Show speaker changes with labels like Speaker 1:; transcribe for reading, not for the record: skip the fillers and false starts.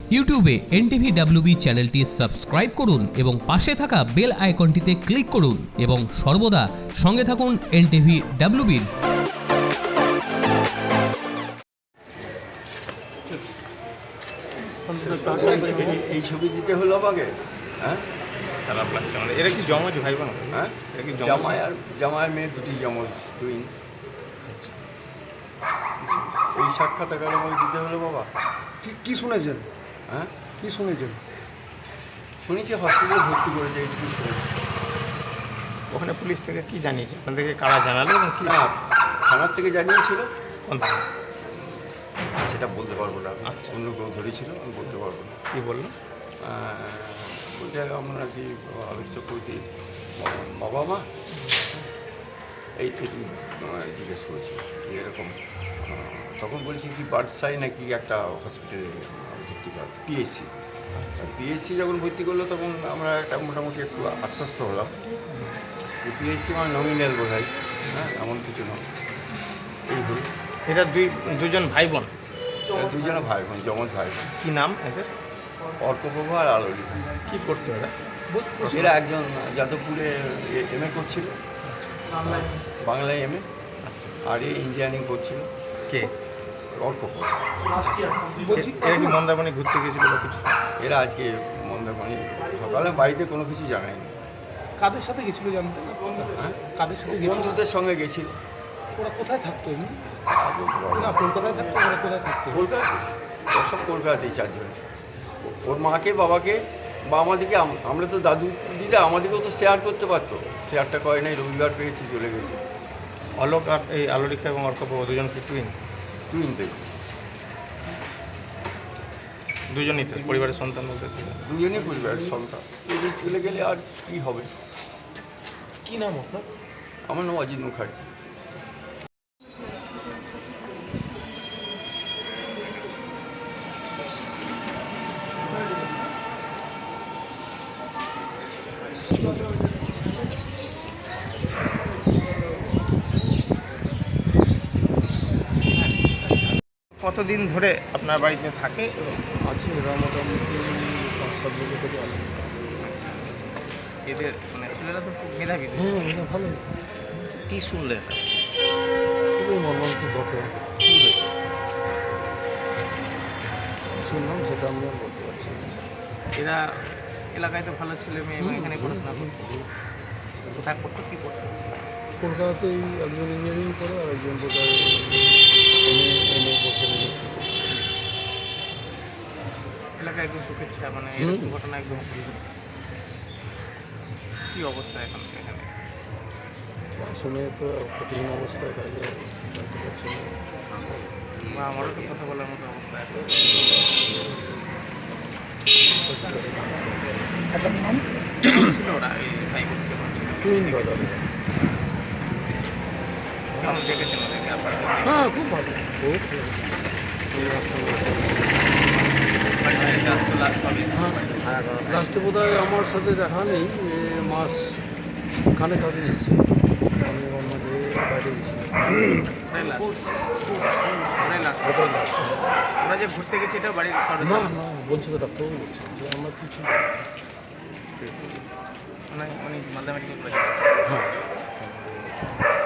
Speaker 1: ইউটিউবে NTV WB চ্যানেলটি subscribe করুন এবং পাশে থাকা বেল আইকনটিতে ক্লিক করুন এবং সর্বদা সঙ্গে থাকুন এনটিভি ডাব্লিউবির।
Speaker 2: এই ছবি দিতে হলো আমাকে, হ্যাঁ?
Speaker 3: খারাপ লাগছে মানে। এরা কি জমজ ভাই বোন?
Speaker 2: হ্যাঁ,
Speaker 3: এরা কি
Speaker 2: জামাইয়ের মেয়ে দুটি জমজ টুইন। এই সাক্ষাৎকার আমাকে দিতে হলো বাবা।
Speaker 4: কি শুনেছেন?
Speaker 2: হ্যাঁ,
Speaker 4: কি শুনেছেন?
Speaker 2: শুনেছি হসপিটালে ভর্তি করেছে, এইটুকু শুনেছি।
Speaker 3: ওখানে পুলিশ থেকে কি জানিয়েছে? ওখান থেকে কারা জানালো এবং কি?
Speaker 2: না, থানার থেকে জানিয়েছিল,
Speaker 3: কোন থানা?
Speaker 2: সেটা বলতে পারবো না।
Speaker 3: আচ্ছা।
Speaker 2: অন্য কেউ ধরেছিল, আমি বলতে পারবো না।
Speaker 3: কি বললো?
Speaker 2: বলতে আমরা কি আলোচ্য করতে বাবা মা এই থেকে জিজ্ঞেস করেছি এরকম। তখন বলেছি কি বার্ডসাই নাকি একটা হসপিটালে ভর্তি করা, পিএসসি যখন ভর্তি করলো তখন আমরা একটা মোটামুটি একটু আশ্বস্ত হলাম। পিএসসি আমার নমিনাল বোধ হয়, হ্যাঁ, এমন কিছু নয়। এই হল।
Speaker 3: এরা দুজন ভাই বোন?
Speaker 2: দুজনে ভাই বোন, জমজ ভাই বোন।
Speaker 3: কী নাম এদের?
Speaker 2: অর্কপ্রভা আর আলোলি।
Speaker 3: কী করতো এরা?
Speaker 2: এরা একজন যাদবপুরে এমএ করছিল, বাংলায় এমএ, আর এই ইঞ্জিনিয়ারিং করছিল।
Speaker 3: কে?
Speaker 2: অর্কপ্রভা।
Speaker 3: এরা কি মন্দারমণি ঘুরতে গেছিল বা কিছু?
Speaker 2: এরা আজকে মন্দারমণি সকালে বাড়িতে কোনো কিছু জানায়নি।
Speaker 4: কাদের সাথে গেছিল জানতেন?
Speaker 2: হ্যাঁ,
Speaker 4: কাদের সাথে গেছিল?
Speaker 2: বন্ধুদের সঙ্গে গেছিল।
Speaker 4: ওরা কোথায় থাকতো এমনি? না, কলকাতায় থাকতো। ওরা কোথায় থাকতো?
Speaker 2: কলকাতা, ওসব কলকাতাতেই চারজন। ওর মাকে বাবাকে বা আমাদেরকে, আমরা তো দাদু দিদা আমাদেরকেও তো শেয়ার করতে পারতো, শেয়ারটা করে নাই। রবিবার পেয়েছি, চলে গেছে।
Speaker 3: অলোক আর এই আলোরিকা এবং অর্কপ্রভা দুজন কি টুইন?
Speaker 2: টুইন থেকে
Speaker 3: দুজনই তো পরিবারের সন্তান বলতে?
Speaker 2: দুজনই পরিবারের সন্তান। এদের চলে গেলে আর কি হবে?
Speaker 4: কি নাম আপনার?
Speaker 2: আমার নাম অজিত মুখার্জি।
Speaker 3: কতদিন ধরে আপনার বাড়িতে থাকে?
Speaker 4: আছে এরা মোটামুটি 5-7 বছর থেকে আছে।
Speaker 3: এদের মানে ছেলেরা তো খুব মেধাবী।
Speaker 4: হ্যাঁ, এটা ভালো।
Speaker 3: কী শুনলেন?
Speaker 4: খুবই মর্মান্তিক ঘটনা।
Speaker 3: কী হয়েছে?
Speaker 4: শুনলাম, সেটা আমি আর বলতে পারছি না।
Speaker 3: এরা এলাকায় তো ভালো ছেলে মেয়ে এবং এখানে পড়াশোনা করতো। কোথায় করতো, কী করতো?
Speaker 4: কলকাতাতেই একজন ইঞ্জিনিয়ারিং করে আর একজন বোধহয় এমএ করতে গেছে।
Speaker 3: এলাকায় একদম সুখের ছিল, মানে এরকম ঘটনা একদম। কী অবস্থা এখন এখানে?
Speaker 4: শুনে তো কঠিন অবস্থায় বাইরে জানতে পারছি না।
Speaker 3: বা আমারও তো কথা বলার মতো অবস্থা এখন। কেমন ছিল ওরা, এই ভাই বোন কেমন ছিল?
Speaker 4: Twin brother.
Speaker 3: কেমন দেখেছেন ওদেরকে আপনারা?
Speaker 4: হ্যাঁ, খুব ভালো, খুব লাস্টে বোধ হয় আমার সাথে দেখা নেই, মাস খানেক আগে এসেছি। আমি ওর মাঝে বাইরে গেছিলাম।
Speaker 3: আমরা যে ঘুরতে গেছি এটা বাড়ির
Speaker 4: না না, বলছি তো, ডাক্তারবাবু বলছি যে আমার কিছু
Speaker 3: মানে মালদা মেডিকেল কলেজে।
Speaker 4: হ্যাঁ।